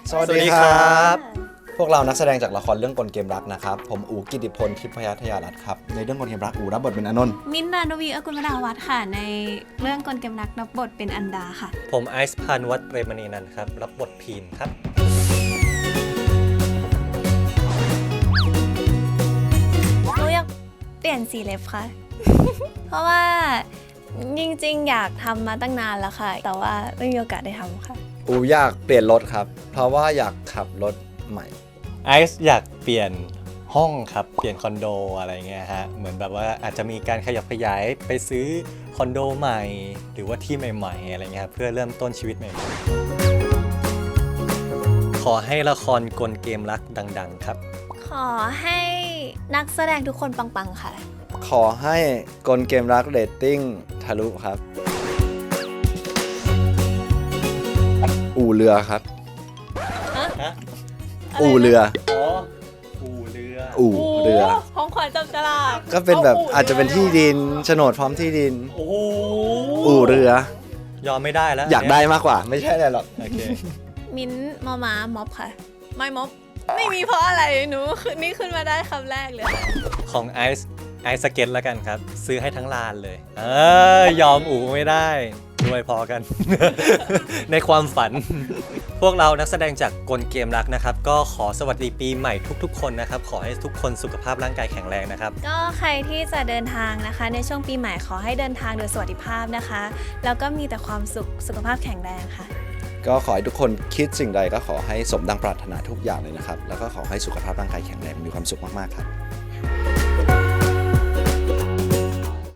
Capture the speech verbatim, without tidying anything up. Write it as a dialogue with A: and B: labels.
A: สวัสดีครับพวกเรานักแสดงจากละครเรื่องกลเกมรักนะครับผมอู๋กิติพลทิพยทยารัตน์ครับในเรื่องกลเกมรักอู๋รับบทเป็นอานนท์
B: มิ้นท์ นานวีอกุลมนาวัฒน์ค่ะในเรื่องกลเกมรักรับบทเป็นอันดาค่ะ
C: ผมไอซ์พานุวัฒน์เปรมณีนันท์ครับรับบทพีนครับ
B: หนูอยากเปลี่ยนสีเล็บค่ะ เพราะว่าจริงๆอยากทำมาตั้งนานแล้วค่ะแต่ว่าไม่มีโอกาสได้ทำค่ะ
A: อู๋อยากเปลี่ยนรถครับเพราะว่าอยากขับรถใหม่
C: ไอซ์อยากเปลี่ยนห้องครับเปลี่ยนคอนโดอะไรเงี้ยฮะเหมือนแบบว่าอาจจะมีการขยับขยายไปซื้อคอนโดใหม่หรือว่าที่ใหม่ๆอะไรเงี้ยเพื่อเริ่มต้นชีวิตใหม่ๆขอให้ละครกลเกมรักดังๆครับ
B: ขอให้นักแสดงทุกคนปังๆค่ะ
A: ขอให้กลเกมรักเรตติ้งทะลุครับอู่เรือครับอู่เรือ
C: อ๋ออู่เรือ
A: อู่เรือ
B: ของขวัญจับฉลาก
A: ก็เป็นแบบอาจจะเป็นที่ดินโฉนดพร้อมที่ดิน
C: โอ้โห
A: อู่เรือย
C: อมไม่ได้แล้ว
A: อยากได้มากกว่าไม่ใช่อะไรหรอก
C: โอเค
B: มิ้นท์มอม้าม็อบค่ะไม่ม็อบไม่มีเพราะอะไรหนูนี่ขึ้นมาได้คำแรกเลย
C: ของไอซ์ไอซ์สเก็ตแล้วกันครับซื้อให้ทั้งลานเลยเออยอมอู๋ไม่ได้ด้วยพอกัน ในความฝัน พวกเรานักแสดงจากกลเกมรักนะครับก็ขอสวัสดีปีใหม่ทุกๆคนนะครับขอให้ทุกคนสุขภาพร่างกายแข็งแรงนะครับ
B: ก็ใครที่จะเดินทางนะคะในช่วงปีใหม่ขอให้เดินทางโดยสวัสดิภาพนะคะแล้วก็มีแต่ความสุขสุขภาพแข็งแรงค่ะ
A: ก็ขอให้ทุกคนคิดสิ่งใดก็ขอให้สมดังปรารถนาทุกอย่างเลยนะครับแล้วก็ขอให้สุขภาพร่างกายแข็งแรงมีความสุขมากๆครับ